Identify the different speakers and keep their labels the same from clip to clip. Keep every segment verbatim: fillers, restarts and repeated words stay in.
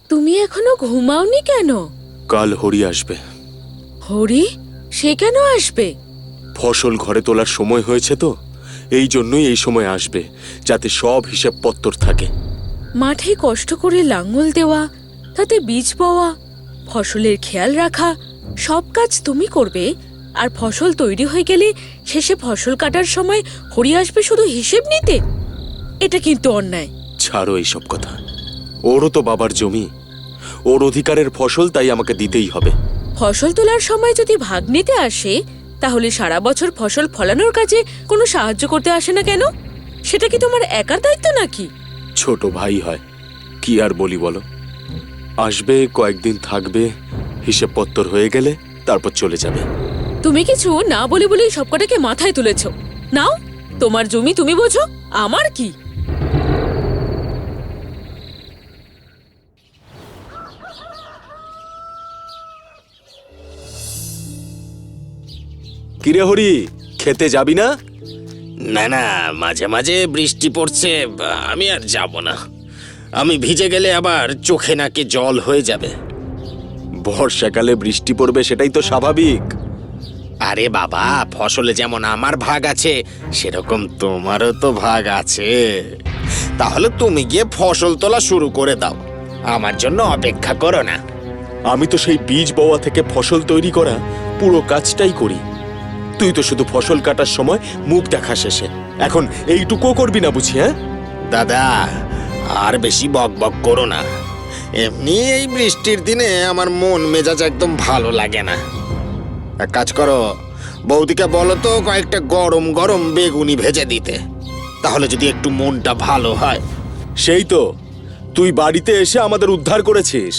Speaker 1: তুমি এখনো ঘুমাওনি কেন?
Speaker 2: কাল হরি আসবে।
Speaker 1: হরি? সে কেন আসবে?
Speaker 2: ফসল ঘরে তোলার সময় হয়েছে তো, এই জন্যই এই সময় আসবে, যাতে সব হিসাব পত্তর থাকে।
Speaker 1: মাঠে কষ্ট করে লাঙল দেওয়া, তাতে বীজ বওয়া, ফসলের খেয়াল রাখা, সব কাজ তুমি করবে। আর ফসল তৈরি হয়ে গেলে শেষে ফসল কাটার সময় হরি আসবে শুধু হিসেব নিতে? এটা কিন্তু অন্যায়।
Speaker 2: ছাড়ো এইসব কথা। ওরও তো বাবার জমি, ওর অধিকারের ফসল, তাই আমাকে দিতেই হবে।
Speaker 1: ফসল তোলার সময় যদি ভাগ নিতে আসে, তাহলে সারা বছর ফসল ফলানোর কাজে কোনো সাহায্য করতে আসে না কেন? সেটা কি তোমার একার দায়িত্ব নাকি?
Speaker 2: ছোট ভাই হয়, কি আর বলি বলো। আসবে, কয়েকদিন থাকবে, হিসেব পত্তর হয়ে গেলে তারপর চলে যাবে।
Speaker 1: তুমি কিছু না বলে বলেই সবকটাকে মাথায় তুলেছ। নাও, তোমার জমি তুমি বোঝো, আমার কি?
Speaker 2: কিরে হরি, খেতে যাবি না?
Speaker 3: না না, মাঝে মাঝে বৃষ্টি পড়ছে, আমি আর যাব না। আমি ভিজে গেলে আবার চোখে নাকে জল হয়ে যাবে।
Speaker 2: বর্ষাকালে বৃষ্টি পড়বে, সেটাই তো স্বাভাবিক।
Speaker 3: আরে বাবা, ফসলে যেমন আমার ভাগ আছে, সেরকম তোমারও তো ভাগ আছে। তাহলে তুমি গিয়ে ফসল তোলা শুরু করে দাও, আমার জন্য অপেক্ষা করো না।
Speaker 2: আমি তো সেই বীজ বওয়া থেকে ফসল তৈরি করা পুরো কাজটাই করি। তুই তো শুধু ফসল কাটার সময় মুখ দেখা শেষে, এখন এইটুকুও করবি না বুঝি? হ্যাঁ
Speaker 3: দাদা, আর বেশি বক বক করো না। এমনি এই বৃষ্টির দিনে আমার মন মেজাজ একদম ভালো লাগে না। এক কাজ করো, বৌদিকে বলো তো কয়েকটা গরম গরম বেগুনি ভেজে দিতে, তাহলে যদি একটু মনটা ভালো হয়।
Speaker 2: সেই তো, তুই বাড়িতে এসে আমাদের উদ্ধার করেছিস।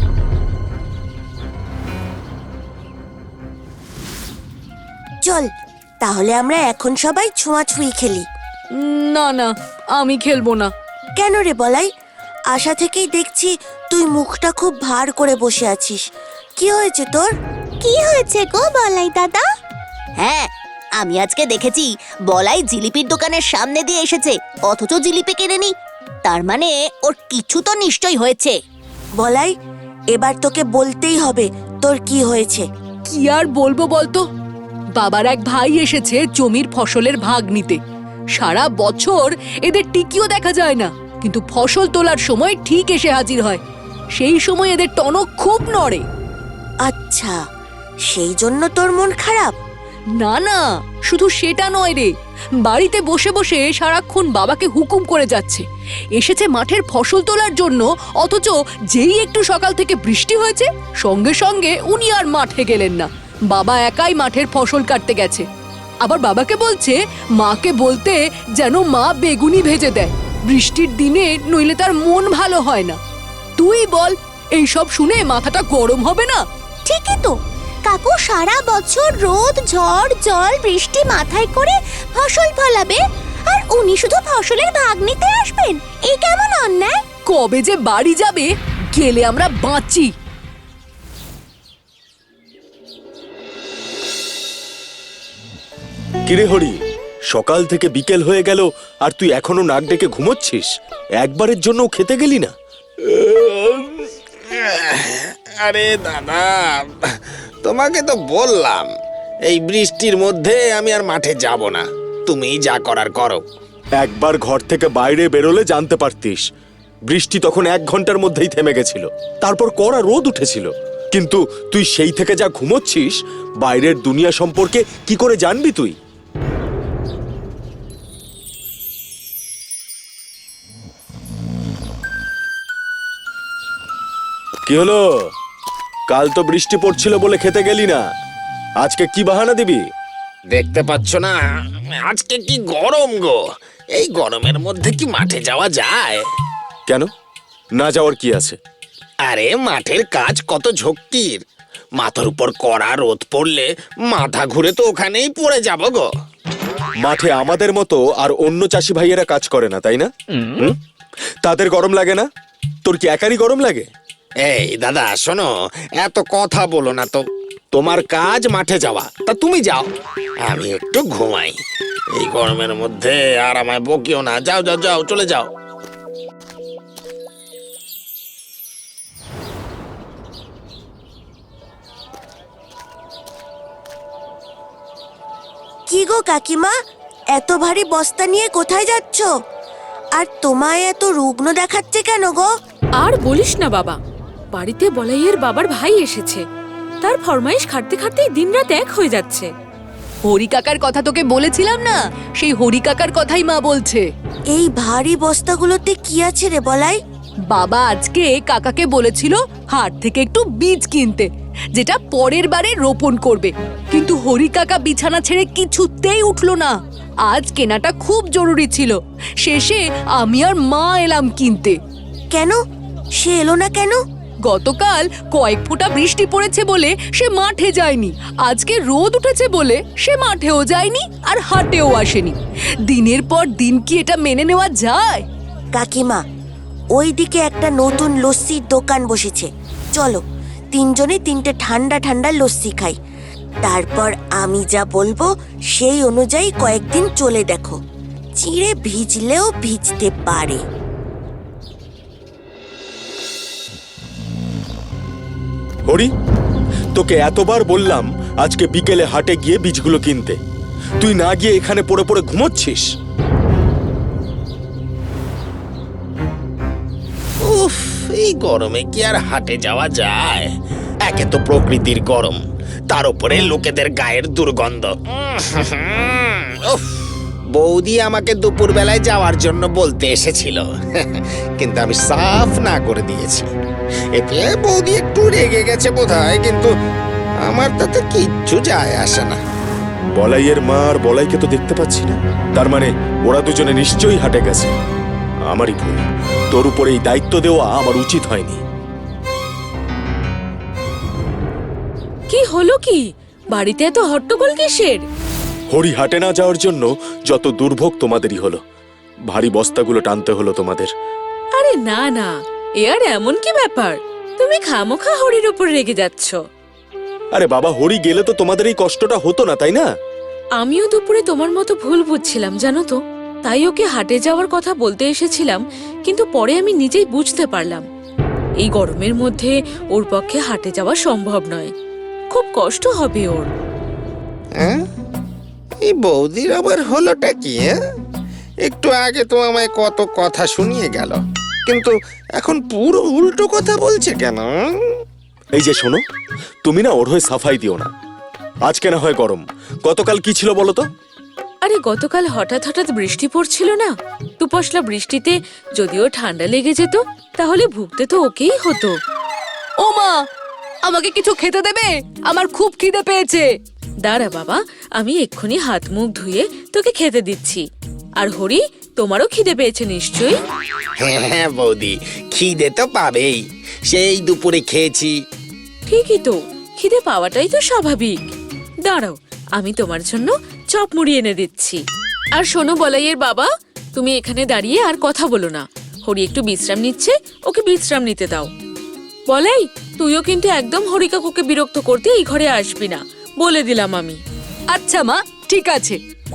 Speaker 4: চল তাহলে আমরা এখন সবাই ছোঁয়াছুঁই খেলি।
Speaker 1: না না, আমি খেলবো না।
Speaker 4: কেন রে বলাই? আশা থেকেই দেখছি তুই মুখটা খুব ভার করে বসে আছিস। কি হয়েছে তোর?
Speaker 5: কি হয়েছে গো বলাই দাদা? হ্যাঁ, আমি আজকে দেখেছি বলাই জিলিপির দোকানের সামনে দিয়ে এসেছে, অথচ জিলিপি কেনেনি। তার মানে ওর কিছু তো নিশ্চয়ই হয়েছে।
Speaker 4: বলাই, এবার তোকে বলতেই হবে তোর কি হয়েছে।
Speaker 6: কি আর বলবো বলতো, বাবার এক ভাই এসেছে জমির ফসলের ভাগ নিতে। সারা বছর এদের টিকিও দেখা যায় না, কিন্তু ফসল তোলার সময় ঠিক এসে হাজির হয়। সেই সময় এদের টনক খুব নড়ে।
Speaker 4: আচ্ছা, সেই জন্য তোর মন খারাপ?
Speaker 6: না না, শুধু সেটা নয় রে, বাড়িতে বসে বসে সারাক্ষণ বাবাকে হুকুম করে যাচ্ছে। এসেছে মাঠের ফসল তোলার জন্য, অথচ যেই একটু সকাল থেকে বৃষ্টি হয়েছে, সঙ্গে সঙ্গে উনি আর মাঠে গেলেন না। বাবা একাই মাঠের ফসল কাটতে গেছে। আবার বাবাকে বলছে মাকে বলতে যেন মা বেগুনি ভেজে দেয় বৃষ্টির দিনে, নইলে তার মন ভালো হয় না। তুই বল, এই সব শুনে মাথাটা গরম হবে না?
Speaker 5: ঠিকই তো, কাকু সারা বছর রোদ ঝড় জল বৃষ্টি মাথায় করে ফসল ফলাবে, আর উনি শুধু ফসলের ভাগ নিতে আসবেন? এই কেমন অন্যায়!
Speaker 6: কবে যে বাড়ি যাবে, গেলে আমরা বাঁচি।
Speaker 2: কিরে হরি, সকাল থেকে বিকেল হয়ে গেল আর তুই এখনো নাক ডেকে ঘুমোচ্ছিস? একবারের জন্য খেতে গেলি না?
Speaker 3: আরে দাদা, তোমাকে তো বললাম এই বৃষ্টির মধ্যে আমি আর মাঠে যাব না। তুমি যা করার করো।
Speaker 2: একবার ঘর থেকে বাইরে বেরোলে জানতে পারতিস, বৃষ্টি তখন এক ঘন্টার মধ্যেই থেমে গেছিল, তারপর কড়া রোদ উঠেছিল। কিন্তু তুই সেই থেকে যা ঘুমোচ্ছিস, বাইরের দুনিয়া সম্পর্কে কি করে জানবি তুই? কি হলো? কাল তো বৃষ্টি পড়ছিল বলে খেতে গেলি না, আজকে কি বাহানা দিবি?
Speaker 3: দেখতে পাচ্ছ না আজকে কি গরম গো? এই গরমের মধ্যে কি মাঠে যাওয়া যায়?
Speaker 2: কেন না যাওয়ার কি আছে?
Speaker 3: আরে মাঠের কাজ কত ঝক্কির, মাথার উপর কড়া রোদ পড়লে মাথা ঘুরে তো ওখানেই পড়ে যাব গো।
Speaker 2: মাঠে আমাদের মতো আর অন্য চাষি ভাইয়েরা কাজ করে না, তাই না? হুম? তাদের গরম লাগে না? তোর কি একারই গরম লাগে?
Speaker 3: এই দাদা শোনো, এত কথা বলো না তো। তোমার কাজ মাঠে যাওয়া, তা তুমি যাও, আমি একটু ঘুমাই। এই গরমের মধ্যে আর আমায় বকিও না। যাও যাও যাও, চলে যাও।
Speaker 4: কি গো কাকিমা, এত ভারী বস্তা নিয়ে কোথায় যাচ্ছ? আর তোমায় এত রুগ্ন দেখাচ্ছে কেন গো?
Speaker 1: আর বলিস না বাবা, বাড়িতে বলাইয়ের বাবার ভাই এসেছে। তার ফরমাইশ খাটতে খাটতেই দিনরাত এক হয়ে যাচ্ছে।
Speaker 6: হরি কাকার কথা তোকে বলেছিলাম না, সেই হরি কাকার কথাই মা বলছে।
Speaker 4: এই ভারী বস্তাগুলোতে কি আছে রে বলাই?
Speaker 6: বাবা আজকে কাকাকে বলেছিল হাট থেকে একটু বীজ কিনতে, যেটা পরের বারে রোপণ করবে। কিন্তু হরি কাকা বিছানা ছেড়ে কিছুতেই উঠলো না। আজ কেনাটা খুব জরুরি ছিল। শেষে আমি আর মা এলাম কিনতে।
Speaker 4: কেন সে এলো না কেন?
Speaker 6: গতকাল কয়েক ফোঁটা বৃষ্টি পড়েছে বলে সে মাঠে যায়নি। আজকে রোদ উঠেছে বলে সে মাঠেও যায়নি আর হাটেও আসেনি। দিনের পর দিন কি এটা মেনে নেওয়া যায়?
Speaker 4: কাকিমা, ওইদিকে একটা নতুন লস্যির দোকান বসেছে, চলো তিনজনে তিনটে ঠান্ডা ঠান্ডা লস্যি খাই। তারপর আমি যা বলবো সেই অনুযায়ী কয়েকদিন চলে দেখো, চিড়ে ভিজলেও ভিজতে পারে।
Speaker 2: হরি, তোকে এতবার বললাম আজকে বিকেলে হাটে গিয়ে বীজগুলো কিনতে, তুই না গিয়ে এখানে পড়ে পড়ে ঘুমোচ্ছিস।
Speaker 3: উফ, এই গরমে কি আর হাটে যাওয়া যায়? একে তো প্রকৃতির গরম, তার উপরে লোকেদের গায়ের দুর্গন্ধ। উফ, বৌদি আমাকে দুপুর বেলায় যাওয়ার জন্য বলতে এসেছিল, কিন্তু আমি সাফ না করে দিয়েছি। এতে বৌদি একটু রেগে গেছে বোধহয়, কিন্তু আমার তাতে কিচ্ছু যায় আসে না।
Speaker 2: বলাইয়ের মা আর বলাইকে তো দেখতে পাচ্ছি না, তার মানে ওরা দুজনে নিশ্চয়ই হাটে গেছে। আমারই ভুল, তোর উপরে এই দায়িত্ব দেওয়া আমার উচিত হয়নি।
Speaker 1: কি হলো কি? বাড়িতে এত হট্টগোল কিসের?
Speaker 2: হরি হাটে না যাওয়ার জন্য যত দুর্ভোগ তোমাদেরই হলো। ভারী বস্তাগুলো টানতে হলো তোমাদের।
Speaker 1: আরে না না, এ আর এমন কি ব্যাপার? তুমি খামোখা হরির উপর রেগে যাচ্ছ।
Speaker 2: আরে বাবা, হরি গেলে তো তোমাদের এই কষ্টটা হতো না, তাই না?
Speaker 1: আমিও দুপুরে তোমার মতো ভুল বুঝছিলাম জানো তো, তাই ওকে হাটে যাওয়ার কথা বলতে এসেছিলাম। কিন্তু পরে আমি নিজেই বুঝতে পারলাম এই গরমের মধ্যে ওর পক্ষে হাটে যাওয়া সম্ভব নয়, খুব কষ্ট হবে ওর।
Speaker 3: হ্যাঁ, এই বৌদির আবার হলোটা কি? হ্যাঁ, একটু আগে তো আমায় কত কথা শুনিয়ে গেল, কিন্তু এখন পুরো উল্টো কথা বলছে কেন?
Speaker 2: এই যে শোনো, তুমি না ওর হয়ে সাফাই দিও না। আজকে না হয় গরম, গতকাল কি ছিল বলো তো?
Speaker 1: আরে গতকাল হঠাৎ হঠাৎ বৃষ্টি পড়ছিল না, দুপশলা বৃষ্টিতে যদিও ঠান্ডা লেগে যেত তাহলে ভুগতে তো ওকেই হতো।
Speaker 6: ও মা, আমাকে কিছু খেতে দেবে? আমার খুব খিদে পেয়েছে।
Speaker 1: দাঁড়া বাবা, আমি এক্ষুনি হাত মুখ ধুয়ে তোকে খেতে দিচ্ছি। আর হরি, তোমারও খিদে পেয়েছে নিশ্চয়ই?
Speaker 3: হ্যাঁ হ্যাঁ বৌদি, খিদে তো পাবেই, সেই দুপুরে খেয়েছি।
Speaker 1: ঠিকই তো, খিদে পাওয়াটাই তো স্বাভাবিক। দাঁড়াও, আমি তোমার জন্য চপ মুড়ি এনে দিচ্ছি। আর শোনো বলাইয়ের বাবা, তুমি এখানে দাঁড়িয়ে আর কথা বলো না। হরি একটু বিশ্রাম নিচ্ছে, ওকে বিশ্রাম নিতে দাও। বলাই, তুইও কিন্তু একদম হরি কাকুকে বিরক্ত করতে এই ঘরে আসবি না, বলে দিলাম আমি।
Speaker 6: আচ্ছা মা, ঠিক আছে।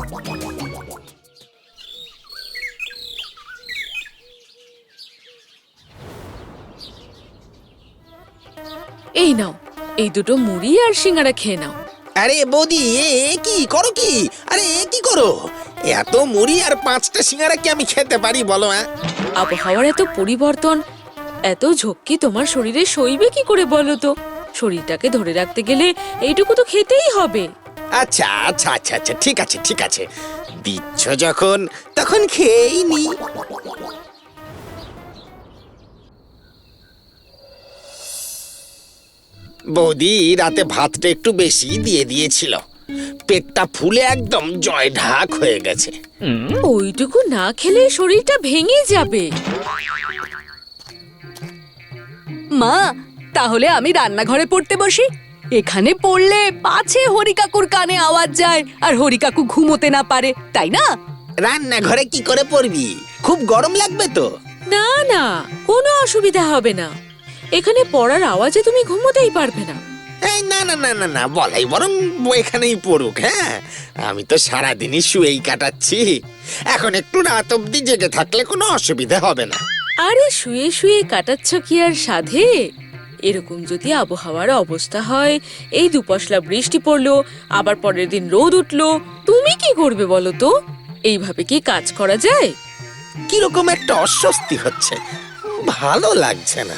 Speaker 1: এই নাও, এই দুটো মুড়ি আর সিঙ্গারা খেয়ে নাও।
Speaker 3: আরে বৌদি, এ এ কি করো কি? আরে এ কি করো? এত মুড়ি আর পাঁচটা সিঙ্গারা কি আমি খেতে পারি বলো? হ্যাঁ,
Speaker 1: আবহাওয়ার এত পরিবর্তন, এত ঝক্কি তোমার শরীরে সইবে কি করে বলো তো? শরীরটাকে ধরে রাখতে গেলে এইটুকু তো খেতেই হবে।
Speaker 3: আচ্ছা আচ্ছা আচ্ছা আচ্ছা, ঠিক আছে ঠিক আছে, দিচ্ছ যখন তখন খেয়েই নি। বৌদি রাতে ভাতটা একটু বেশি দিয়ে দিয়েছিল, পেটটা ফুলে একদম জয় ঢাক হয়ে গেছে।
Speaker 1: ওইটুকু না খেলে শরীরটা ভেঙে যাবে।
Speaker 6: মা, তাহলে আমি রান্নাঘরে পড়তে বসি। এখানে পড়লে পাছে হরি কাকুর কানে আওয়াজ যায় আর হরি কাকু ঘুমোতে না পারে, তাই না?
Speaker 3: রান্নাঘরে কি করে পড়বি? খুব গরম লাগবে তো।
Speaker 1: না না, কোনো অসুবিধা হবে না। এখানে পড়ার আওয়াজে তুমি ঘুমোতেই পারবে না।
Speaker 3: এই না না না না না, বলাই বরং এখানেই পড়ুক। হ্যাঁ, আমি তো সারাদিনই শুয়েই কাটাচ্ছি, এখন একটু রাত অব্দি জেগে থাকলে কোনো অসুবিধা হবে না।
Speaker 1: আরে শুয়ে শুয়ে কাটাচ্ছ কি আর সাধে? এরকম যদি আবহাওয়ার অবস্থা হয়, এই দুপশলা বৃষ্টি পড়লো, আবার পরের দিন রোদ উঠলো, তুমি কি করবে বলো তো? এইভাবে কি কাজ করা যায়?
Speaker 3: কিরকম একটা অস্বস্তি হচ্ছে, ভালো লাগছে না।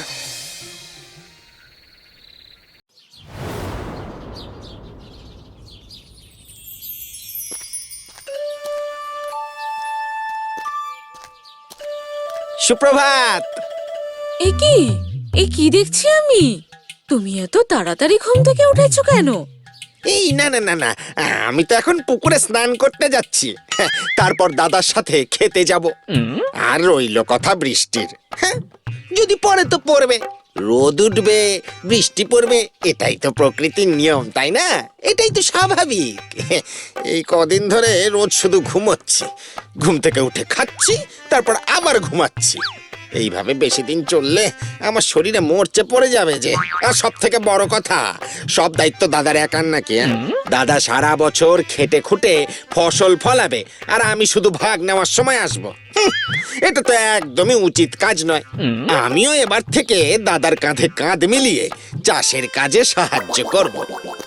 Speaker 3: সুপ্রভাত।
Speaker 1: এ কি এ কি দেখছি আমি? তুমি এত তাড়াতাড়ি ঘুম থেকে উঠেছো কেন?
Speaker 3: এই না না না না, আমি তো এখন পুকুরে স্নান করতে যাচ্ছি, হ্যাঁ, তারপর দাদার সাথে খেতে যাব। আর রইল কথা বৃষ্টির, হ্যাঁ, যদি পরে তো পড়বে, রোদ উঠবে, বৃষ্টি পড়বে, এটাই তো প্রকৃতির নিয়ম, তাই না? এটাই তো স্বাভাবিক। এই কদিন ধরে রোজ শুধু ঘুমোচ্ছি, ঘুম থেকে উঠে খাচ্ছি, তারপর আবার ঘুমাচ্ছি। এইভাবে বেশি দিন চললে আমার শরীরে মরচে পড়ে যাবে যে। আর সব থেকে বড় কথা, সব দায়িত্ব দাদার একার নাকি? হ্যাঁ? দাদা সারা বছর খেটে খুঁটে ফসল ফলাবে, আর আমি শুধু ভাগ নেওয়ার সময় আসবো। হুঁ, এটা তো একদমই উচিত কাজ নয়। আমিও এবার থেকে দাদার কাঁধে কাঁধ মিলিয়ে চাষের কাজে সাহায্য করব।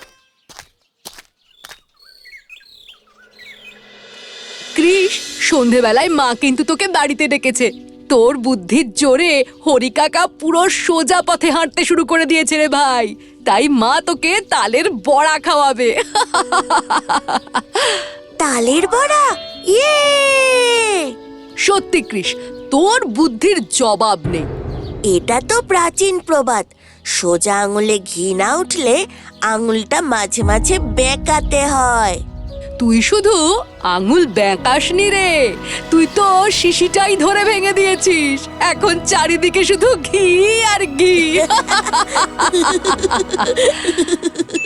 Speaker 6: কৃষ, সন্ধেবেলায় মা কিন্তু তোকে বাড়িতে ডেকেছে। তোর বুদ্ধির জোরে হরি কাকা পুরো সোজা পথে হাঁটতে শুরু করে দিয়েছে রে ভাই। তাই মা তোকে তালের বড়া খাওয়াবে।
Speaker 4: তালের বড়া, ইয়ে!
Speaker 6: সত্যি কৃষ, তোর বুদ্ধির জবাব নেই।
Speaker 4: এটা তো প্রাচীন প্রবাদ, সোজা আঙুলে ঘি না উঠলে আঙুলটা মাঝে মাঝে বেঁকাতে হয়।
Speaker 6: তুই শুধু আঙুল ব্যাকাসনি রে, তুই তো শিশিটাই ধরে ভেঙে দিয়েছিস। এখন চারিদিকে শুধু ঘি আর ঘি।